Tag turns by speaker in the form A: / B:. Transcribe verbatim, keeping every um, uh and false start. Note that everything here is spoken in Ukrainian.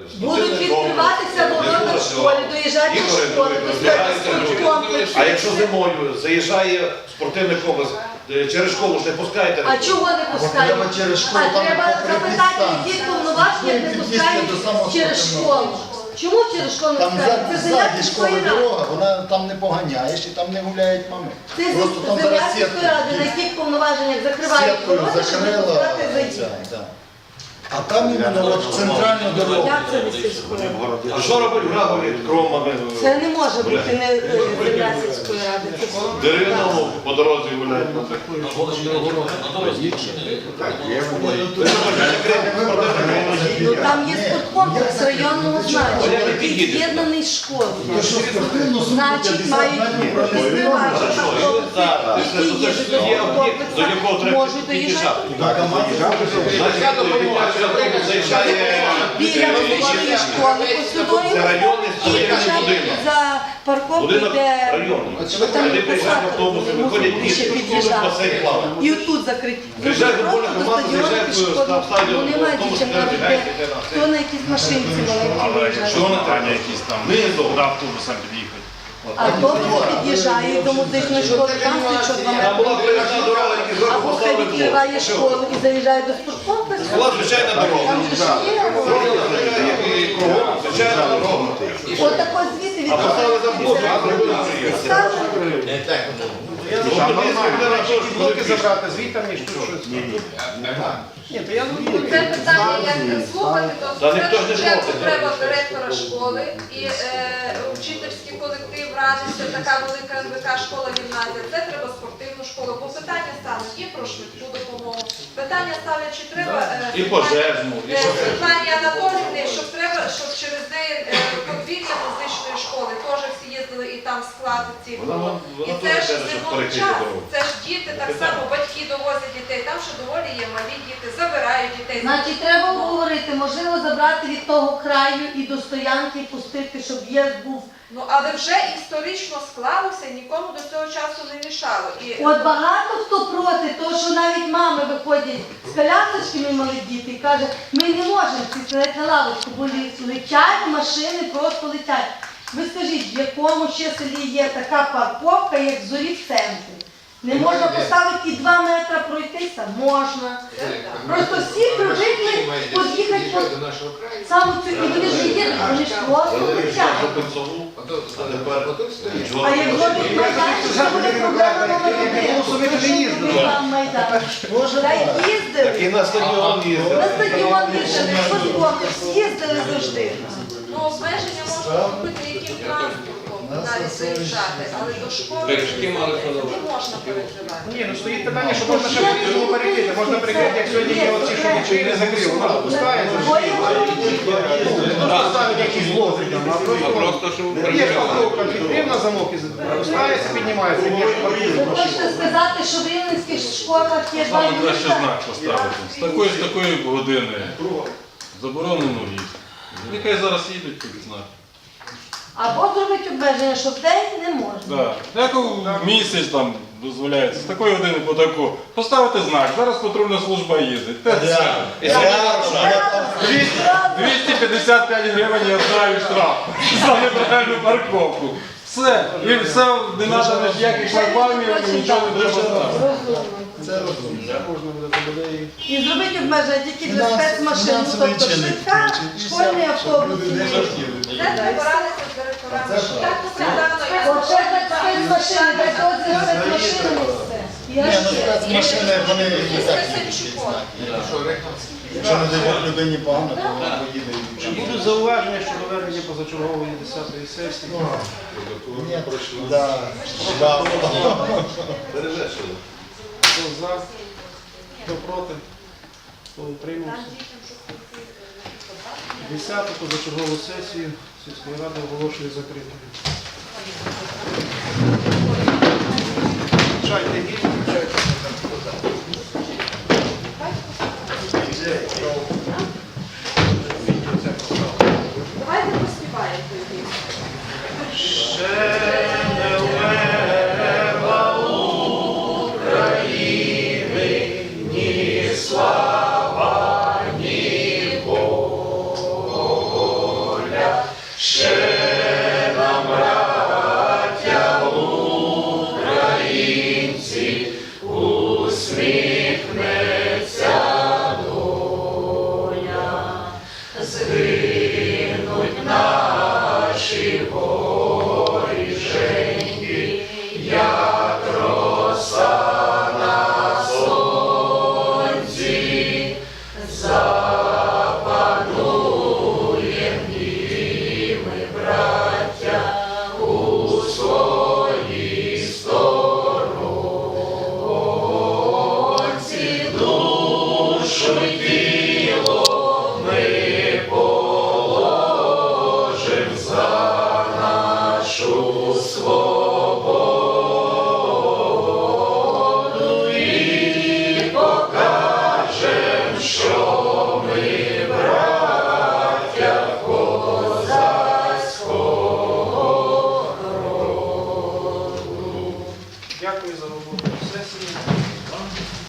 A: Будуть відкриватися ворота в школі, доїжджати до школи, до комплексу.
B: А якщо зимою заїжджає спортивний комплекс, через школу ж не пускаєте?
A: А чого не пускають? А треба запитати, які повноваження не пускають через школу. Чому через школу не
C: Там
A: пускають? Це земля
C: ззаді школи
A: сільської ради.
C: дорога, вона там не поганяєш і там не гуляють мами.
A: Це
C: Просто там
A: земля
C: зараз
A: сільської ради, на яких повноваженнях закривають
C: сіткою
A: ворота, щоб не
C: закрила.
A: пускати зайти.
C: ця, да. А там іменно от центральну дорогу.
A: Як це не сільської ради?
B: А що робить грабові кромами?
A: Це не може бути не е, земля сільської ради. Це
B: Дерев'яному по дорозі гуляють.
A: Ну там є спорткомплекс районного значення, який з'єднаний з школою. Значить, мають відкривати автобуси, які їдуть до спорткомплексу, можуть доїжджати. Біля високої школи посудові і почати за парковку, де там посадка, ще під'їжджати. І отут закриті. Дуже просто до стадіону пішкодно. Вони мають дівчинка, хто на якісь машинці маленькі виїжджає.
D: Що Натаня якісь там, куди автобусом під'їхати?
A: Автобуси під'їжджають до музичної школи, там стоїть що два
B: Там була
A: метри.
B: приватна дорога, які зверху
A: Або хай
B: поставили
A: відкриває
B: блок.
A: школу і заїжджає до спорткомплексу.
B: Була звичайна дорога.
A: Там же ж є.
B: І кругом звичайна дорога.
A: Отако звідти
B: А поставили там блок, а зробили приїзд.
D: Блоки забрати звідти, ніж тут щось. Ні, то я не
E: Це питання, як слухати, то
B: Та ніхто ж не
E: спочатку
B: проти.
E: треба директора школи і е, вчительський колектив радиться, така велика ен ве ка школа, гімназія, це треба спортивну школу, бо питання стануть і про швидку допомогу, питання ставлять, чи треба е,
B: І пожежну, і
E: е,
B: що
E: Світлані Анатоліївні, щоб треба, щоб через неї е, подвір'я музичної школи, теж всі їздили і там склад ці було. І це ж зимовий час, це ж діти, так само батьки довозять дітей, там ще доволі є малі діти, забирають дітей.
A: Значить, треба обговорити, можливо, забрати від того краю і до стоянки пустити, щоб в'їзд був.
E: Ну, але вже історично склалося, нікому до цього часу не мішало. І...
A: От багато хто проти, того, що навіть мами виходять з колясочками мали діти і кажуть, ми не можемо сидіти на лавочку, бо летять машини, просто летять. Ви скажіть, в якому ще селі є така парковка, як в Зорі в центрі? Не можна поставити і два метри пройтися? Можна. Просто всі привикли під'їхати по саме цю, і вони ж їдуть, вони ж просто летять. А як зробить майданчик, то буде проблема номер один. Тому що там майданчик. Та й їздили.
B: І на стадіон їздили.
A: На стадіон їздили, спорткомплекс, їздили завжди.
E: Ну, обмеження можна робити яким транспортом навіть заїжджати, але до школи не можна перекривати.
D: Ні, ну стоїть питання, що можна ще по-різному перекрити. Можна перекрити, як сьогодні є оці, що нічого не закрив. Воно допускається. Ставить якісь блоки там, а просто є парковка, відкрив на замок і запускається, піднімається. Є
A: Ви хочете сказати, що в рівненських школах є два
F: Саме краще
A: місця?
F: знак поставити. З такої, з такої години заборонено в'їзд. Нехай зараз їдуть під знак.
A: Або зробити обмеження, що в день не можна.
F: Так. Як в місяць там дозволяється, з такої години по таку. Поставити знак, зараз патрульна служба їздить. Те це. двісті п'ятдесят п'ять гривень я знаю штраф за неправильну парковку. Все. І все, не треба ніяких шлагбаумів, нічого не треба знати.
C: Це розумно.
A: І зробити обмеження тільки для спецмашин, ну, тобто швидка, школьний автобус.
E: Це треба радитися з директорами. Так сказано,
A: От ще так спецмашини, так от за спецмашини і все. Я
C: Ні, ну
A: ще.
C: спецмашини, вони і
E: і
C: так
E: Стеценчуком.
C: Якщо не дай Бог людині погано, то вона поїде і
D: Чи
C: вчить.
D: будуть зауваження щодо ведення позачергової десятої сесії?
C: Ні, да, да.
D: Хто за, хто проти, хто утримався? Десяту позачергову сесію сільської ради оголошую закритою. Включайте гімн, включайте.
E: Давайте поспіваємо.
D: Слава, ні Богу.
G: згинуть наші воріженьки, як роса на сонці, запануєм і ми, браття, у своїй сторонці, душу й тіло ми положим за нашу свободу і покажем, що ми браття козацького роду.
D: Дякую за роботу сесії.